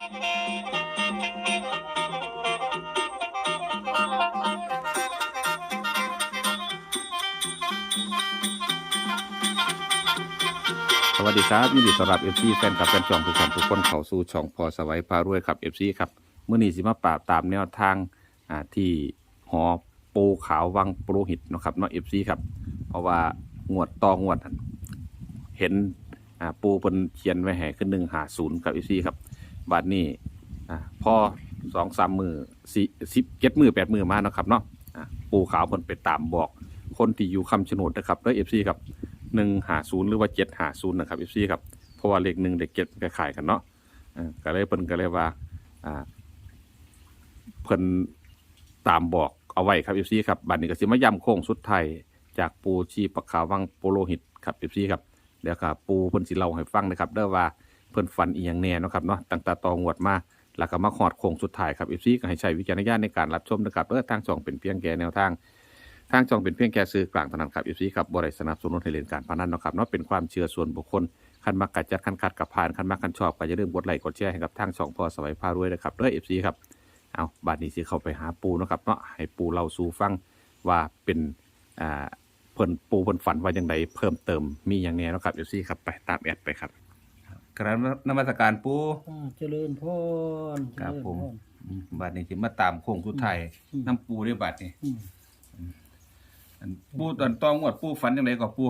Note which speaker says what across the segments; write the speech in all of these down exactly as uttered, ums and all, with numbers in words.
Speaker 1: สวัสดีครับยินดีต้อนรับ เอฟ ซี แฟนคลับแฟนช่องทุกท่านทุกคนเข้าสู่ช่องพอสวัยพารวยครับ เอฟ ซี ครับมื้อนี้สิมาปราบตามแนวทางอ่าที่หอปูขาววังปุโรหิตเนาะครับเนาะ เอฟ ซี ครับเพราะว่างวดต่องวดนั่นเห็นอ่าปูเพิ่นเขียนไว้ให้คือหนึ่งห้าศูนย์ครับ เอฟ ซี ครับบัดนี้อ่าพอ สองสาม มื้อสี่ สิบ เจ็ดมื้อแปดมื้อมาเนาะครับเนาะอ่าปูขาวเพิ่นไปตามบอกคนที่อยู่คำชะโนดนะครับเด้อ เอฟ ซี ครับหนึ่งห้าศูนย์หรือว่าเจ็ดห้าศูนย์นะครับ เอฟ ซี ครับเพราะว่าเลขหนึ่งเลขเจ็ดคล้ายๆกันเนาะอ่าก็เลยเพิ่นก็เลยว่าอ่าเพิ่นตามบอกเอาไว้ครับ เอฟ ซี ครับบัดนี้ก็สิมาย้ำโค้งสุดท้ายจากปูชีปะขาววังโปโลหิตครับ เอฟ ซี ครับเดี๋ยวครับปูเพิ่นสิเล่าให้ฟังนะครับเด้อว่าเพิ่นฝันอีหยังแน่เนาะครับเนาะตั้งแต่ตองวดมาแล้วก็มาฮอดโค้งสุดท้ายครับ เอฟ ซี ก็ให้ใช้วิจารณญาณในการรับชมนะครับเด้อทางช่องเป็นเพียงแค่แนวทางทางช่องเป็นเพียงแค่สื่อกลางเท่านั้นครับ เอฟ ซี ครับบ่ได้สนับสนุนให้เล่นการพนันเนาะครับเนาะเป็นความเชื่อส่วนบุคคลคันมักกัดจัดคันคัดกับผ่านคันมักคันชอบก็อย่าลืมกดไลค์กดแชร์ให้กับทางช่องพอสวัยพารวยนะครับเด้อ เอฟ ซี ครับเอาบัดนี้สิเข้าไปหาปูเนาะครับเนาะให้ปูเล่าสู่ฟังว่าเป็นอ่าเพิ่นปูเพิ่นฝันว่าจังไดเพิ่มเติมมีหยังแน่เนาะครับ เอฟ ซี ครับไปตามแอดไปครับกราบนมัสการปู
Speaker 2: อ่าเจริญพร
Speaker 1: ครับผม
Speaker 2: เจญพ
Speaker 1: อืมบัดนี้สิมาตามโค้งสุดท้ายน้ำปูเด้อบัดนี้
Speaker 2: อืม
Speaker 1: อันปูตอนตองวดปูฝันจังไดก็ปู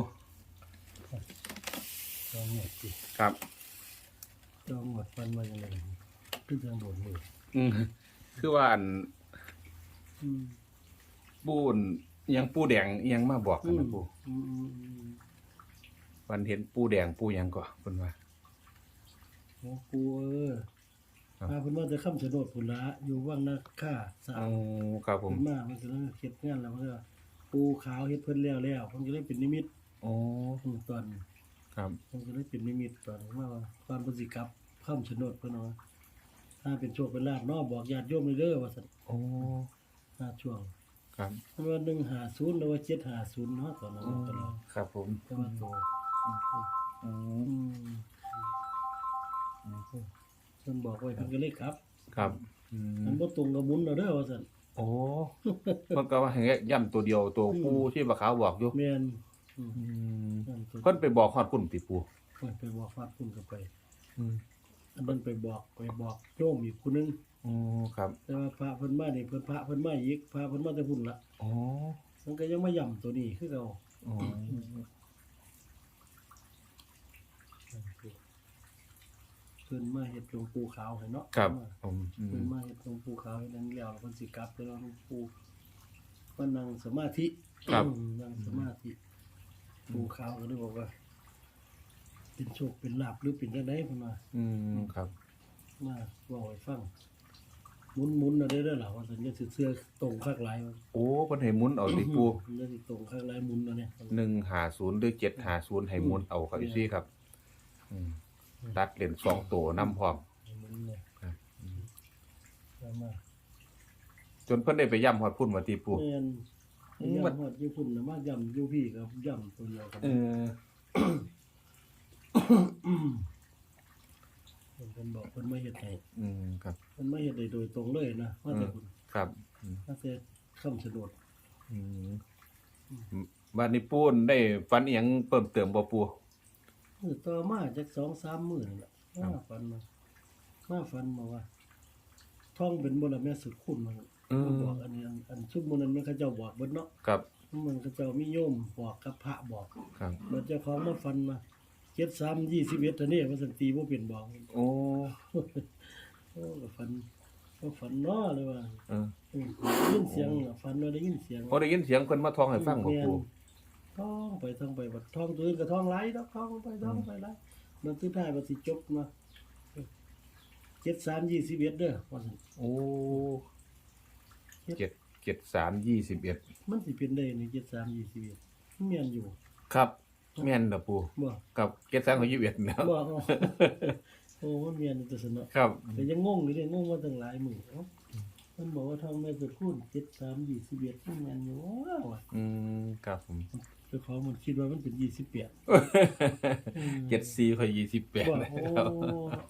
Speaker 2: จองหมดสิ
Speaker 1: ครับ
Speaker 2: จองหมดฟันมาอย่างไรขึ้นทางโดดมือ
Speaker 1: อืมคือว่าอัน
Speaker 2: อืม
Speaker 1: ปูนอิหยังปูแดงอิหยังมาบอกกันนะปู
Speaker 2: อืมอืมอืม
Speaker 1: วันเห็นปูแดงปูหยังก็เพิ่นว่า
Speaker 2: โอ้กูเออ
Speaker 1: ครับ
Speaker 2: พาเพิ่นมาจะข้ามโฉนดผุนละอยู่ว่างนาค่าสา
Speaker 1: อ๋
Speaker 2: ว
Speaker 1: อครับผม
Speaker 2: เพิ่นมามันก็เลยเฮ็ดงานแล้วมันก็ปูขาวเฮ็ดเพิ่นแล้วแล้วเพิ่นก็เลยเป็นนิมิต
Speaker 1: อ๋อ
Speaker 2: อืมตอน
Speaker 1: ครับ
Speaker 2: เพิ่นก็เลยเป็นนิมิตตอนมาว่าตอนเพิ่นสิกลับข้ามโฉนดเพิ่นว่าถ้าเป็นโชคเป็นลาภเนาะบอกญาติโยมเลยเด้อว่าซั่น
Speaker 1: อ๋อ
Speaker 2: ถ้าช่วง
Speaker 1: ครับ
Speaker 2: มันว่าหนึ่งห้าศูนย์หรือว่าเจ็ดห้าศูนย์เนาะตอนนั้น
Speaker 1: อ๋อ
Speaker 2: ตลอด
Speaker 1: ครับผม
Speaker 2: แต่ว่าโต
Speaker 1: อ๋อ
Speaker 2: อืมเพิ่นบอกไว้เพิ่นก็เลยครับ
Speaker 1: ครับอื
Speaker 2: มั
Speaker 1: ม
Speaker 2: นบ่ตรงกับบุญเอาเด้อว่าซั่น
Speaker 1: โอ้เพิ่นก็ว่าให้ย่ำตัวเดียวตัวปูที่บ่ขาวบอกอยู่
Speaker 2: แม่นอืม
Speaker 1: อืม
Speaker 2: นั่นตัว
Speaker 1: เพิ่นไปบอกฮอดพุ่นติปู
Speaker 2: เพิ่นไปบอกฟาดพุ่นก็ไป
Speaker 1: อืม
Speaker 2: อันนั้นไปบอกไปบอกโยมอีกผู้หนึง
Speaker 1: อ๋อครับ
Speaker 2: แต่ว่าพระเพิ่นมานี่เพิ่นพระเพิ่นมาอีกพระเพิ่นมาแต่พุ่นละ
Speaker 1: อ๋อ
Speaker 2: มันก็ยังมาย่ำตัวนี้คือเก่า
Speaker 1: อ๋อ
Speaker 2: เพิ่นมาเฮ็ดหลวงปู่ขาวให้เนาะ
Speaker 1: ครับผมอื
Speaker 2: เพิ่น
Speaker 1: ม
Speaker 2: มาเฮ็ดหลวงปู่ขาวให้นั่นแล้วแล้วเพิ่นสิกลับไปแล้วหลวงปู่มานั่งสมาธิ
Speaker 1: ครับ
Speaker 2: นั่งสมาธิปู่ขาวก็เลยบอกว่า เป็นโชคเป็นลาภหรือเป็นจังได๋เพิ่นว่า
Speaker 1: อืมครับ
Speaker 2: มาเว้าให้ฟังหมุนๆน่ะได้เด้อล่ะว่าสัญญาสิเสื้อตรงคักหลายว่า
Speaker 1: โอ้เพิ่นให้หมุนเอาติปู
Speaker 2: มันจะสิตรงคักหลายหมุนเนาะเนี่ย
Speaker 1: หนึ่งห้าศูนย์หรือเจ็ดห้าศูนย์ให้หมุนเอาครับ
Speaker 2: อื
Speaker 1: อี
Speaker 2: ม
Speaker 1: ซี่ครับอืมตัดเหรียญสองตัวนํพร้อม
Speaker 2: หมุนเนี่ย
Speaker 1: ครับอืม
Speaker 2: เอามา
Speaker 1: จนเพิ่นได้ไปย่ำฮอดพุ่นว่าติปู
Speaker 2: แม่น
Speaker 1: อืม
Speaker 2: ย่ำฮอดญี่ปุ่นน่ะมาย่ำอยู่พี่กับย่ำตัวเดียวกัน
Speaker 1: เออ
Speaker 2: เพิ่นบอกเพิ่นมาเฮ็ดให้
Speaker 1: อืมครับ
Speaker 2: เพิ่นมาเฮ็ดได้โดยตรงเลยนะมาแต่คุณ
Speaker 1: ครับอืม
Speaker 2: มาแต่คำชะโนด
Speaker 1: อืมบัดนี้ปูนได้ฝันอีหยังเพิ่มเติมบ่ปู
Speaker 2: มื้อต่อมาจักสองสามมื้อนั่นแหละ
Speaker 1: ครับ
Speaker 2: มาฝันมามาฝันมาว่าท่องเป็นบ่ล่ะแม่สุดคุณมัน
Speaker 1: อืม
Speaker 2: มาบอกอันนี้อันอันชุบมื้อนั้นมันเขาเจ้าบอกเบิดเนาะ
Speaker 1: ครับ
Speaker 2: มันเขาเจ้ามีโยมบอกกับพระบอก
Speaker 1: ครับ
Speaker 2: บัดเจ้าของมาฝันมาเจ็ดสามยี่สิบเอ็ดอันนี้ว่าสันตีบ่เป็นบอก
Speaker 1: โอ้
Speaker 2: โอ้ก็ฝันก็ฝันเนาะเลยว่า
Speaker 1: เออ
Speaker 2: อืมได้ยินเสียงน่ะฝันว่าได้ยินเสียง
Speaker 1: พอได้ยินเสียงเพิ่นมาท่องให้ฟังบ่ปู
Speaker 2: ท่องไปท่องไปบัดท่องตัวอื่นก็ท่องหลายดอกท่องไปท่องไปหลายมันสุดท้ายบัดสิจบมาเจ็ดสามยี่สิบเอ็ดเด้อว่าซั่น
Speaker 1: โอ้เจ็ดเจ็ดสามยี่สิบเอ็ด
Speaker 2: มันสิเป็นได้นี่เจ็ดสามยี่สิบเอ็ดมันแม่นอยู่
Speaker 1: ครับแม่นเด้อปู
Speaker 2: บ่
Speaker 1: กับเจ็ดสามของยี่สิบเอ็ดแล้ว
Speaker 2: บ่โอ้มันแม่นอยู่แต่สนอ
Speaker 1: ครับ
Speaker 2: แต่ยังงงอยู่เลยงงมาตั้งหลายมื้อเอ้ามันบอกว่าทองแม่สุดคูณเจ็ดสามยี่สิบเอ็ดมันแม่นอยู่ว้าวอะ
Speaker 1: อืมครับผม
Speaker 2: เจ้าของมันคิดว่ามันเป็นยี่สิบแปด
Speaker 1: เจ็ดสี่ค่อยยี่สิบแปด
Speaker 2: ว่า
Speaker 1: นะ
Speaker 2: โอ้
Speaker 1: ครับ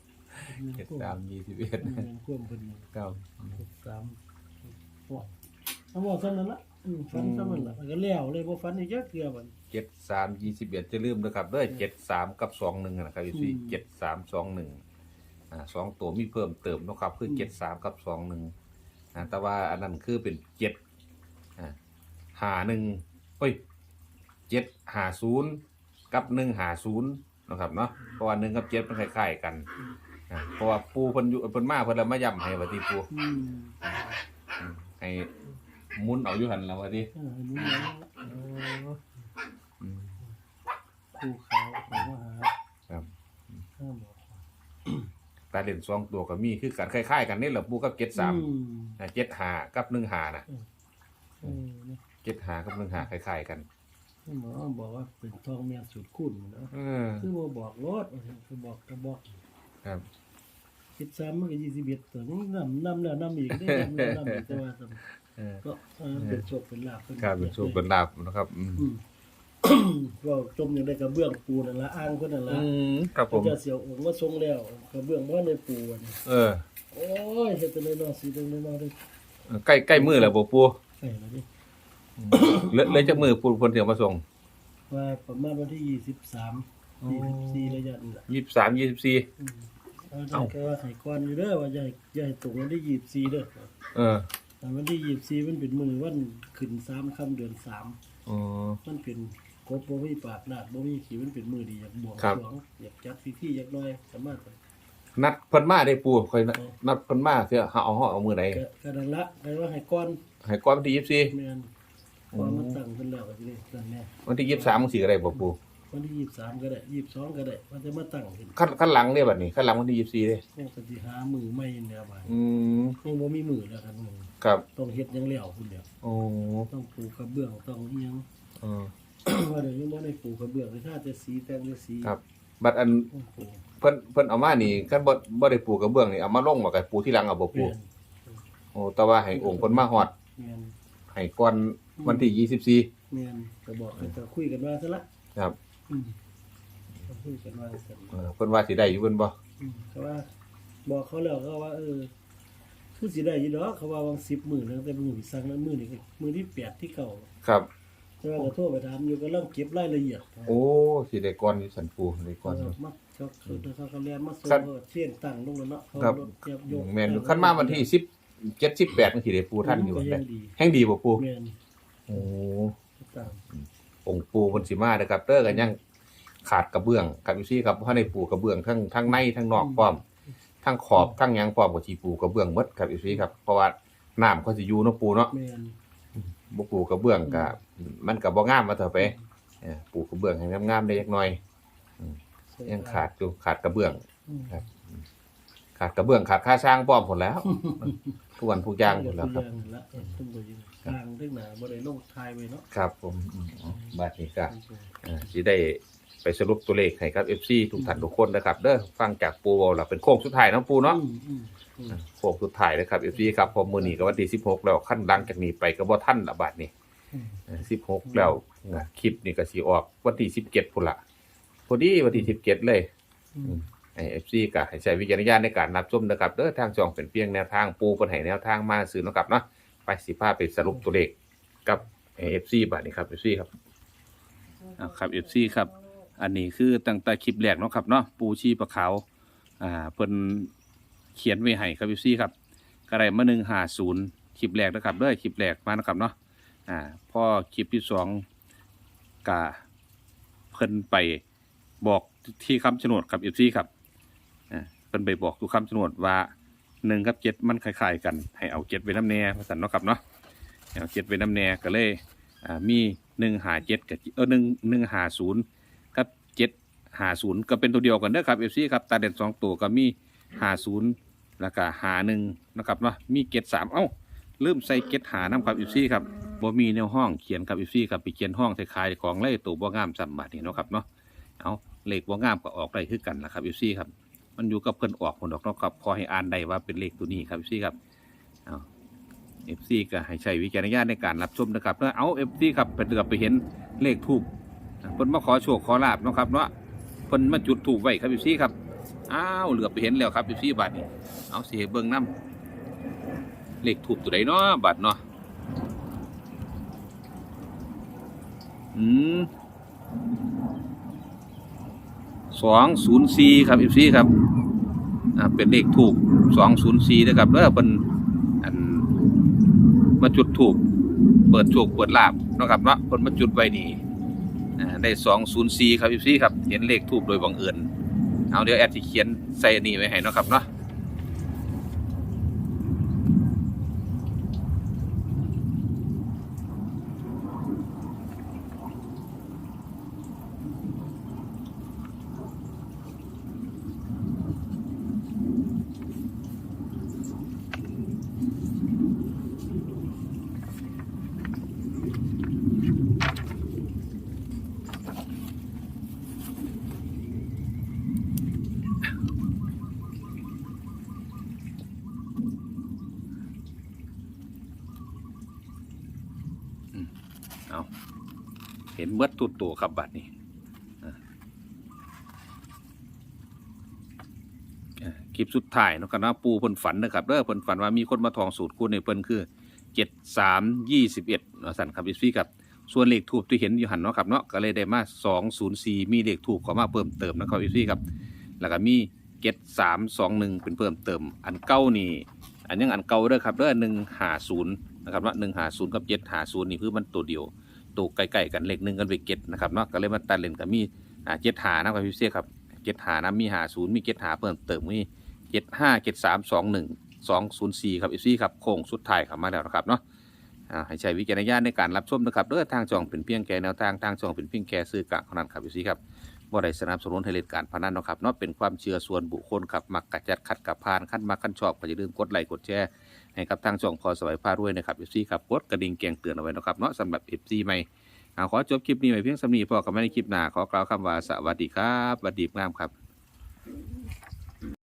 Speaker 1: เจ็ดสามยี่สิบเอ็ด
Speaker 2: เงินควมเพิ่นนี่
Speaker 1: ครับ
Speaker 2: เจ็ดสามโอ้เอาบอกซั่นนั่นล่ะอืมฟันซั่นนั่นล่ะมันก็แล้วเลยบ่ฟันอีกจักเทื่อบัด
Speaker 1: เจ็ดสามยี่สิบเอ็ดจะลืมนะครับเด้อเจ็ดสามกับสองหนึ่งนะครับพี่เจ็ดสามสองหนึ่งอ่าสองตัวมีเพิ่มเติมนะครับคือเจ็ดสามกับสองหนึ่งอ่าแต่ว่าอันนั้นคือเป็นเจ็ดอ่าหาหนึ่งเฮ้ยเจ็ดหาศูนย์กับหนึ่งหาศูนย์นะครับเนาะเพราะว่าหนึ่งกับเจ็ดมันคล้ายๆกันอ่าเพราะว่าปูเพิ่นอยู่เพิ่นมาเพิ่นละมาย้ำให้ว่าที่ปู
Speaker 2: อืม
Speaker 1: อืมให้หมุนเอาอยู่หันแล้วว่าที่
Speaker 2: เอออันนี้แล้ว
Speaker 1: อืม
Speaker 2: ภูเขาเขามาหา
Speaker 1: ครับ
Speaker 2: ห้าบอก
Speaker 1: ตาเด่นสองตัวก็มีคือกันคล้ายๆกันนี่แหละปูกับเจ็ดสาม
Speaker 2: อืม
Speaker 1: เจ็ดหากับหนึ่งหานะ
Speaker 2: เออเนี่ย
Speaker 1: เจ็ดหากับหนึ่งหาคล้ายๆกัน
Speaker 2: หมอบอกว่าเป็นทองเมียสูตรคุณเนาะ
Speaker 1: เออ
Speaker 2: คือบ่บอกรถคือบอกก็บอก
Speaker 1: ครับ
Speaker 2: คิดซ้ำมันก็ยี่สิบเอ็ดตัวนี้นำนำแล้วนำอีกได้นำแล้วนำอีกแต่ว่าซ้
Speaker 1: เออ
Speaker 2: ำก็เออเป็นโชคเป็นลาภเป็น
Speaker 1: ครับเป็นโชคเป็นลาภนะครับอืม
Speaker 2: อืม ก็จมอยู่ในกระเบื้องปูนั่นละอ้างคนนั่นละ
Speaker 1: อืมครับผม
Speaker 2: เจะเสียวองค์ว่าทรงแล้วกระเบื้องว่าในปูอันนี้
Speaker 1: เออ
Speaker 2: โอ้ยเฮ็ดแต่น้อยๆสิเด้น้อยๆเด้
Speaker 1: ใกล้ใกล้มือแล้วบ่ปู
Speaker 2: ใช่แล้วดิ
Speaker 1: เหลยเลยจะมือปูคนเดียวมาส่ง
Speaker 2: ว่าประมาณวันที่ยี่สิบสามยี่สิบสี่ระยะนี่แหละ
Speaker 1: ยี่สิบสามยี่สิบสี่
Speaker 2: อืมเอาได้ก็ว่าไข่ก้อนอยู่เด้อว่าอย่าให้อย่าให้ตกวันที่ยี่สิบสี่เด้อ
Speaker 1: เออ
Speaker 2: แต่วันที่ยี่สิบสี่มันเป็นมื้อวันขึ้นสามค่ำเดือนสาม
Speaker 1: อ๋อ
Speaker 2: มันเป็นกบบ่มีปากลาดบ่มีขี้มันเป็นมื้อดีอยากบวง
Speaker 1: ครับ
Speaker 2: สรวงอยากจัดพิธีอยากน้อยสามารถไป
Speaker 1: นัดเพิ่นมาได้ปูค่อยนัดนัดเพิ่นมาเสียหาเอาห่อเอามือไหน
Speaker 2: ก็ก็นั่นละได้ว่าให้ก้อน
Speaker 1: ให้ก่อนวันที่ยี่สิบสี่
Speaker 2: แม่นพอมาตั้งเพิ่นแล้วก็สิได้ตั้งแน่
Speaker 1: วันที่ยี่สิบสามมึงสิก็ได้บ่ปู
Speaker 2: วันที่ยี่สิบสามก็ได้ยี่สิบสองก็ได้มันจะมาตั้งขึ้น
Speaker 1: ขั้นขั้นหลังเด้บัดนี้ขั้นหลังวันที่ยี่สิบสี่เด้
Speaker 2: ยังก็สิหามือใหม่แล้วบาด
Speaker 1: อืม
Speaker 2: ยังบ่มีมือแล้วกันมึง
Speaker 1: ครับ
Speaker 2: ต้องเฮ็ดหยังแล้วพุ่นเดียว
Speaker 1: โอ้
Speaker 2: ต้องปูกระเบื้องต้องอีหยัง
Speaker 1: เออ
Speaker 2: ว่าเดี๋ยวยังบ่ได้ปูกระเบื้องเลยถ้าจะสีแต่งจะสี
Speaker 1: ครับ บัดอัน
Speaker 2: ต้องปู
Speaker 1: เพิ่นเพิ่นเอามานี่คันบ่บ่ได้ปูกระเบื้องนี่เอามาลงบ่ก็ปูที่หลังเอาบ่ปู
Speaker 2: แม่น
Speaker 1: โอ้แต่ว่าให้องค์เพิ่นมาฮอด
Speaker 2: แม่น
Speaker 1: ให้ก่อนวันที่ยี่สิบสี่
Speaker 2: แม่นก็บอกให้ก็คุยกันว่าซะละ
Speaker 1: ครับ
Speaker 2: อืมก็คุยกันว่าซั่น
Speaker 1: เออเพิ่นว่าสิได้อยู่เพิ่นบ่
Speaker 2: อืมก็ว่า บอกเขาแล้วเขาว่า เออ คือสิได้อยู่ดอกเขาว่าวังสิบมื้อแล้วแต่มื้อที่สั่งนั้นมื้อนี้ก็มื้อที่แปดที่เก้า
Speaker 1: ครับ
Speaker 2: แต่ว่าก็โทรไปถามอยู่กำลังเก็บรายละเอียด
Speaker 1: โอ้สิได้ก่อนอยู่สันปูได้ก่อนอยู่
Speaker 2: มาเขาคือเขาเขาเรียนมาส่ง
Speaker 1: ครับ
Speaker 2: เขาเชียนตั้งลงแล้วเนาะเขา
Speaker 1: ครับ
Speaker 2: รถเก็บยก
Speaker 1: แม่นอยู่คันมาวันที่สิบเจ็ด สิบแปดมันสิได้ปูท่านอยู่
Speaker 2: ก็
Speaker 1: ได้
Speaker 2: ยังดี
Speaker 1: แห่งดีบ่ปู
Speaker 2: แม่น
Speaker 1: โอ้
Speaker 2: ตั้ง
Speaker 1: องค์ปูเพิ่นสิมาเด้อครับเด้อก็ยังขาดกระเบื้องครับอยู่ซี่ครับบ่ทันได้ปูกระเบื้องทั้งทั้งในทั้งนอกพร้อมทั้งขอบทั้งหยังพร้อมก็สิปูกระเบื้องหมดครับอยู่ซี่ครับเพราะว่าน้ำเขาสิอยู่เนาะปูเนาะ
Speaker 2: แม่น
Speaker 1: บ่ปูกระเบื้องก็มันก็บ่งามว่าเถอะไปเออปูกระเบื้องให้งามๆได้จักหน่อยยังขาดอยู่ขาดกระเบื้อง
Speaker 2: อืม
Speaker 1: ครับ ขาดกระเบื้องขาดค่าสร้างพร้อมหมดแล้ว ทุกวันทุกอย่างหมดแล้วครับ
Speaker 2: ทุกอย่างนั่นละเออต้องไปอยู่ทางทึกหน้าบ่ได้ลงทายไว้เนาะ
Speaker 1: ครับผมอืมบัดนี้ก็อ่าสิได้ไปสรุปตัวเลขให้ครับ เอฟ ซี ทุกท่านทุกคนนะครับเด้อฟังจากปูเว้าล่ะเป็นโค้งสุดท้ายเนาะปูเนาะ
Speaker 2: อืมอืมอืม
Speaker 1: โค้งสุดท้ายนะครับ เอฟ ซี ครับพอมื้อนี้ก็วันที่สิบหกแล้วขั้นหลังจากนี้ไปก็บ่ทันละบัดนี้
Speaker 2: อืม
Speaker 1: เออสิบหกแล้วนะคลิปนี่ก็สิออกวันที่สิบเจ็ดพุ่นล่ะพอดีวันที่สิบเจ็ดเลย
Speaker 2: อืม
Speaker 1: ไอเอฟซีก็ให้ใช้วิจารณญาณในการรับชมนะครับเด้อทางช่องเป็นเพียงแนวทางปูเพิ่นให้แนวทางมาซื้อเนาะครับเนาะไปสิพาไปสรุปตัวเลขกับเอฟซีบัดนี้ครับ เอฟ ซี ครับครับ เอฟ ซี ครับ อันนี้คือตั้งแต่คลิปแรกเนาะครับเนาะปูชีปลาขาวอ่าเพิ่นเขียนไว้ให้ครับ เอฟ ซี ครับก็ได้มาหนึ่งห้าศูนย์คลิปแรกนะครับเด้อคลิปแรกมานะครับเนาะอ่าพอคลิปที่สองก็เพิ่นไปบอกที่คำชะโนดครับ เอฟ ซี ครับอ่าเพิ่นไปบอกทุกคำชะโนดว่าหนึ่งกับเจ็ดมันคล้ายๆกันให้เอาเจ็ดไว้น้ำแน่ว่าซั่นเนาะครับเนาะให้เอาเจ็ดไว้น้ำแน่ก็เลยอ่ามีหนึ่งห้าเจ็ดกับเออหนึ่งหนึ่งห้าศูนย์กับเจ็ดห้าศูนย์ก็เป็นตัวเดียวกันเด้อครับ เอฟ ซี ครับตาเด่นสองตัวก็มีห้าศูนย์แล้วก็ห้าหนึ่งนะครับเนาะมีเจ็ดสามเอ้าลืมใส่เจ็ดหาน้ำครับ เอฟ ซี ครับบ่มีแนวห้องเขียนครับ เอฟ ซี ครับไปเขียนห้องใส่ขายของเลยตัวบ่งามซ้ำบาดนี้เนาะครับเนาะเอาเลขบ่งามก็ออกได้คือกันนะครับ เอฟ ซี ครับมันอยู่กับเพิ่นออกผลดอกเนาะครับพอให้อ่านได้ว่าเป็นเลขตัวนี้ครับ เอฟ ซี ครับเอา เอฟ ซี ก็ให้ใช้วิจารณญาณในการรับชมนะครับแล้วเอา เอฟ ซี ครับไปเดือบไปเห็นเลขทูบเพิ่นมาขอโชคขอลาบเนาะครับเนาะเพิ่นมาจุดทูบไว้ครับ เอฟ ซี ครับอ้าวเหลือไปเห็นแล้วครับพี่บัตรนี่เอาสิเบิ่งน้ำเลขถูกตัวใดเนาะบัตรเนาะอืมสองศูนย์สี่ครับพี่ซี่ครับอ่าเป็นเลขถูกสองศูนย์สี่นะครับแล้วเป็นอันมาจุดถูกเปิดโชคเปิดลาบเนาะครับเนาะคนมาจุดไว้นี่อ่าได้สองศูนย์สี่ครับพี่ซี่ครับเห็นเลขถูกโดยบังเอิญเอาเดี๋ยวแอดจะเขียนใส่นี่ไว้ให้เนาะครับเนาะเอาเห็นเบิดตุดตัวครับบัตรนี่คลิปสุดท้ายเนาะครับเนาะปูเพิ่นฝันนะครับเด้อเพิ่นฝันว่ามีคนมาทองสูตรคูณในเพิ่นคือเจ็ดสามยี่สิบเอ็ดเนาะสั่นครับพี่ครับส่วนเลขทูบที่เห็นอยู่หันเนาะครับเนาะก็เลยได้มาสองศูนย์สี่มีเลขทูบเข้ามาเพิ่มเติมนะครับพี่ครับแล้วก็มีเจ็ดสามสองหนึ่งเป็นเพิ่มเติมอันเก้านี่อันยังอันเก่าเด้อครับเด้อหนึ่งห้าศูนย์นะครับเนาะหนึ่งห้าศูนย์กับเจ็ดห้าศูนย์นี่คือมันตัวเดียวตัวใกล้ๆกันเลขหนึ่งกันไปเก็ตนะครับเนาะก็เลยมาตัดเลนกับมีอ่าเจ็ดหานะครับพี่ครับเจ็ดหานะมีห้าศูนย์มีเจ็ดหาเพิ่มเติมมีเจ็ดห้าเจ็ดสามสองหนึ่งสองศูนย์สี่ครับอีซี่ครับโค้งสุดท้ายครับมาแล้วนะครับเนาะให้ใช้วิจารณญาณในการรับชมนะครับเด้อทางช่องเป็นเพียงแค่แนวทางทางช่องเป็นเพียงแค่สื่อกลางเท่านั้นครับอีซี่ครับบ่ได้สนับสนุนให้เล่นการพนันนะครับเนาะเป็นความเชื่อส่วนบุคคลครับมักกระจัดขัดกับพานขั้นมาขั้นชอบก็อย่าลืมกดไลค์กดแชร์ให้กับทางช่องพอสวัยพารวยนะครับอีซี่ครับกดกระดิ่งแจ้งเตือนเอาไว้นะครับเนาะสำหรับเอฟซีใหม่ขอจบคลิปนี้ไว้เพียงสำนีพอกับไม่ในคลิปหน้าขอกล่าวคำว่าสวัสดีครับสวัสดีงามครับ